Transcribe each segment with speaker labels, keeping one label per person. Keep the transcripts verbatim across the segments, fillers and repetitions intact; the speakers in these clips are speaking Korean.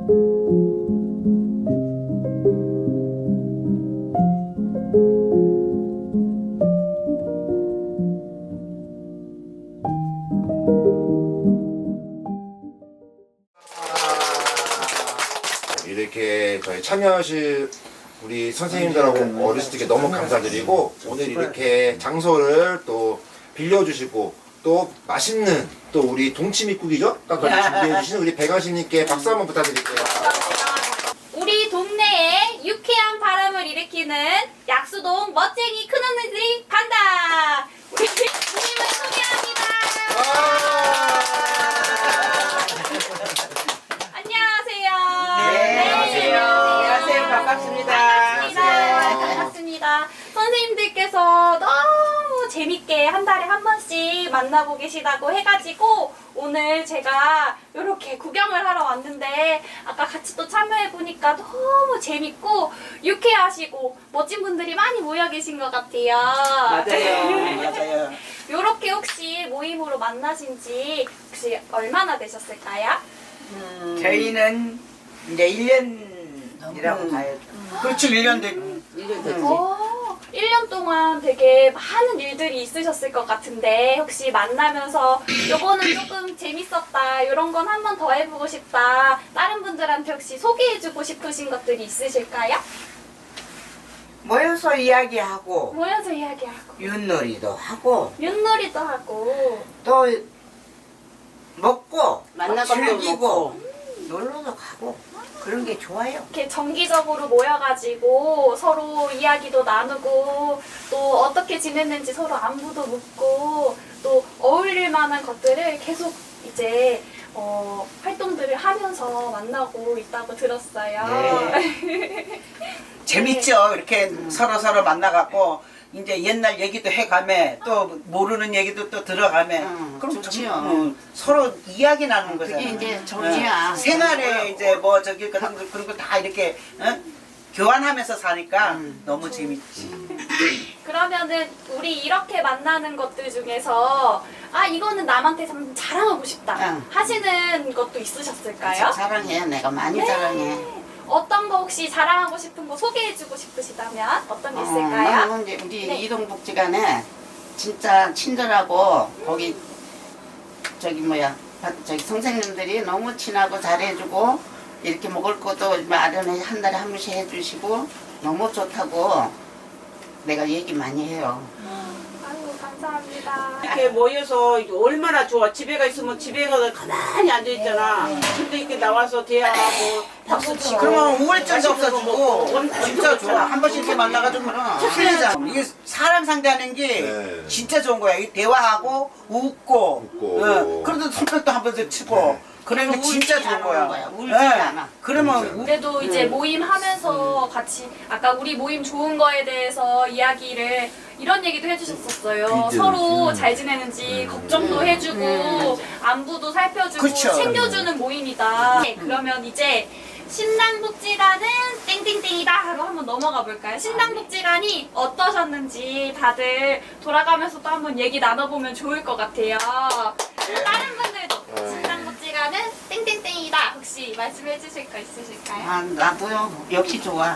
Speaker 1: 이렇게 저희 참여하실 우리 선생님들하고 어르신들께 너무 감사드리고, 오늘 이렇게 장소를 또 빌려주시고 또 맛있는 또 우리 동치미국이죠? 딱 준비해주신 우리 백아신님께 박수 한번 부탁드릴게요.
Speaker 2: 우리 동네에 유쾌한 바람을 일으키는 약수동 멋쟁이 큰언니들이 간다. 우리 주님을 소개합니다. 안녕하세요.
Speaker 3: 네, 안녕하세요.
Speaker 2: 안녕하세요.
Speaker 3: 반갑습니다.
Speaker 2: 반갑습니다. 반갑습니다. 선생님들께서 너무 재밌게 한 달에 한 번씩 만나고 계시다고 해가지고 오늘 제가 이렇게 구경을 하러 왔는데, 아까 같이 또 참여해보니까 너무 재밌고 유쾌하시고 멋진 분들이 많이 모여 계신 것 같아요.
Speaker 3: 맞아요. 맞아요.
Speaker 2: 이렇게 혹시 모임으로 만나신 지 혹시 얼마나 되셨을까요?
Speaker 3: 음, 저희는 이제 일 년이라고
Speaker 4: 음.
Speaker 3: 봐요.
Speaker 4: 그렇지, 일 년 됐.
Speaker 3: 일 년 됐지.
Speaker 2: 오, 일 년 동안 되게 많은 일들이 있으셨을 것 같은데, 혹시 만나면서 요거는 조금 재밌었다, 요런 건 한 번 더 해보고 싶다, 다른 분들한테 혹시 소개해주고 싶으신 것들이 있으실까요?
Speaker 3: 모여서 이야기하고
Speaker 2: 모여서 이야기하고
Speaker 3: 윷놀이도 하고
Speaker 2: 윷놀이도 하고
Speaker 3: 또 먹고
Speaker 4: 만날 것도
Speaker 3: 즐기고
Speaker 4: 먹고.
Speaker 3: 놀러도 가고 그런 게 좋아요.
Speaker 2: 이렇게 정기적으로 모여가지고 서로 이야기도 나누고 또 어떻게 지냈는지 서로 안부도 묻고 또 어울릴 만한 것들을 계속 이제 어, 활동들을 하면서 만나고 있다고 들었어요.
Speaker 3: 네.
Speaker 4: 재밌죠. 이렇게 서로 서로 만나갖고 이제 옛날 얘기도 해가며 또 모르는 얘기도 또 들어가며.
Speaker 5: 응,
Speaker 4: 그럼
Speaker 5: 좋지요.
Speaker 4: 좀, 어, 서로 이야기 나누는 거잖아.
Speaker 5: 그게 이제 정이야.
Speaker 4: 어, 생활에 이제 뭐 저기 그런 거 그런 거 다 이렇게 어? 교환하면서 사니까
Speaker 5: 음.
Speaker 4: 너무 재밌지.
Speaker 2: 그러면은 우리 이렇게 만나는 것들 중에서 아 이거는 남한테 좀 자랑하고 싶다
Speaker 5: 응.
Speaker 2: 하시는 것도 있으셨을까요?
Speaker 5: 자랑해. 내가 많이
Speaker 2: 네.
Speaker 5: 자랑해.
Speaker 2: 어떤 거 혹시 자랑하고 싶은 거 소개해주고 싶으시다면 어떤 게
Speaker 5: 어,
Speaker 2: 있을까요?
Speaker 5: 나는 이제 우리
Speaker 2: 네.
Speaker 5: 이동복지관에 진짜 친절하고 거기 저기 뭐야 저기 선생님들이 너무 친하고 잘해주고 이렇게 먹을 것도 마련해 한 달에 한 번씩 해주시고 너무 좋다고 내가 얘기 많이 해요.
Speaker 2: 아이고 감사합니다.
Speaker 6: 이렇게 모여서 이게 얼마나 좋아. 집에가 있으면 집에 가서 가만히 앉아있잖아. 근데 이렇게 나와서 대화하고 박수 치고.
Speaker 4: 그러면 우울증도
Speaker 6: 맛있는 거 먹고
Speaker 4: 없어지고
Speaker 6: 엄청
Speaker 4: 진짜 좋아.
Speaker 6: 좋잖아.
Speaker 4: 한 번씩 이렇게 만나가지고 풀리잖아. 이게 사람 상대하는 게
Speaker 1: 네.
Speaker 4: 진짜 좋은 거야. 이 대화하고 웃고,
Speaker 1: 웃고.
Speaker 4: 어, 그래도 손뼉도 한 번씩 치고.
Speaker 1: 네.
Speaker 4: 그러면
Speaker 5: 그리고
Speaker 4: 진짜
Speaker 5: 울지
Speaker 4: 좋은
Speaker 5: 않는
Speaker 4: 거야.
Speaker 5: 거야. 울지
Speaker 4: 네.
Speaker 5: 않아.
Speaker 4: 그러면
Speaker 1: 진짜.
Speaker 4: 우-
Speaker 2: 그래도 이제 모임 하면서 같이 아까 우리 모임 좋은 거에 대해서 이야기를 이런 얘기도 해주셨었어요.
Speaker 1: 이제,
Speaker 2: 서로
Speaker 1: 음.
Speaker 2: 잘 지내는지
Speaker 1: 음.
Speaker 2: 걱정도 해주고
Speaker 5: 음.
Speaker 2: 안부도 살펴주고
Speaker 4: 그쵸.
Speaker 2: 챙겨주는 모임이다. 네, 그러면 이제 신당복지관은 땡땡땡이다 하고 한번 넘어가 볼까요? 신당복지관이 어떠셨는지 다들 돌아가면서 또 한번 얘기 나눠보면 좋을 것 같아요. 다른 분들도
Speaker 1: 네.
Speaker 2: 신당복지관은 땡땡땡이다 혹시 말씀해 주실 거 있으실까요?
Speaker 5: 아, 나도요. 역시 좋아.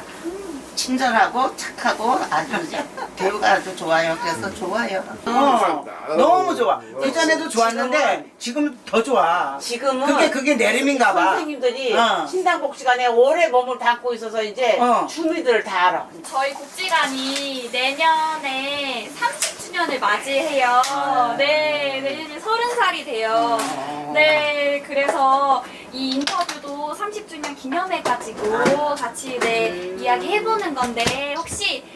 Speaker 5: 친절하고 착하고 아주 이제 대우가 아주 좋아요. 그래서 좋아요.
Speaker 4: 어,
Speaker 1: 감사합니다.
Speaker 4: 너무 좋아.
Speaker 1: 어.
Speaker 4: 그전에도 좋았는데 지금 더 좋아.
Speaker 6: 지금은
Speaker 4: 그게 그게 내림인가 봐.
Speaker 6: 선생님들이
Speaker 4: 어.
Speaker 6: 신당복지관에 오래 몸을 담고 있어서 이제
Speaker 4: 어.
Speaker 6: 주민들을 다 알아.
Speaker 2: 저희 복지관이 내년에 삼십 주년을 맞이해요.
Speaker 4: 아.
Speaker 2: 네, 내년에 서른 살이 돼요. 네, 그래서 이 인터뷰도 삼십 주년 기념해가지고 같이 네, 이야기 해보는 건데, 혹시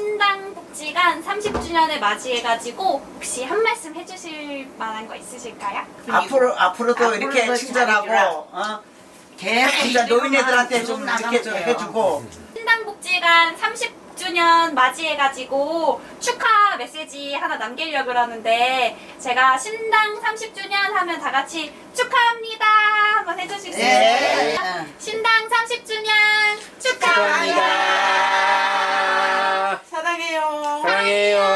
Speaker 2: 신당복지관 삼십 주년을 맞이해가지고 혹시 한 말씀 해주실 만한 거 있으실까요?
Speaker 4: 앞으로 앞으로도
Speaker 5: 앞으로도
Speaker 4: 이렇게 친절하고
Speaker 5: 잘해주라.
Speaker 4: 어?
Speaker 5: 계속
Speaker 4: 진짜
Speaker 5: 이대로만
Speaker 4: 노인네들한테
Speaker 5: 쭉
Speaker 4: 좀
Speaker 5: 나가면
Speaker 4: 이렇게 좀
Speaker 5: 돼요.
Speaker 4: 해주고.
Speaker 2: 신당복지관 삼십 주년 맞이해가지고 축하 메시지 하나 남기려고 그러는데, 제가 신당 삼십 주년 하면 다 같이 축하합니다 한번 해주실 수
Speaker 5: 네.
Speaker 2: 있어요?
Speaker 5: 네.
Speaker 2: 신당 삼십 주년 축하합니다.
Speaker 1: 축하합니다.
Speaker 6: 사랑해요.
Speaker 1: 사랑해요.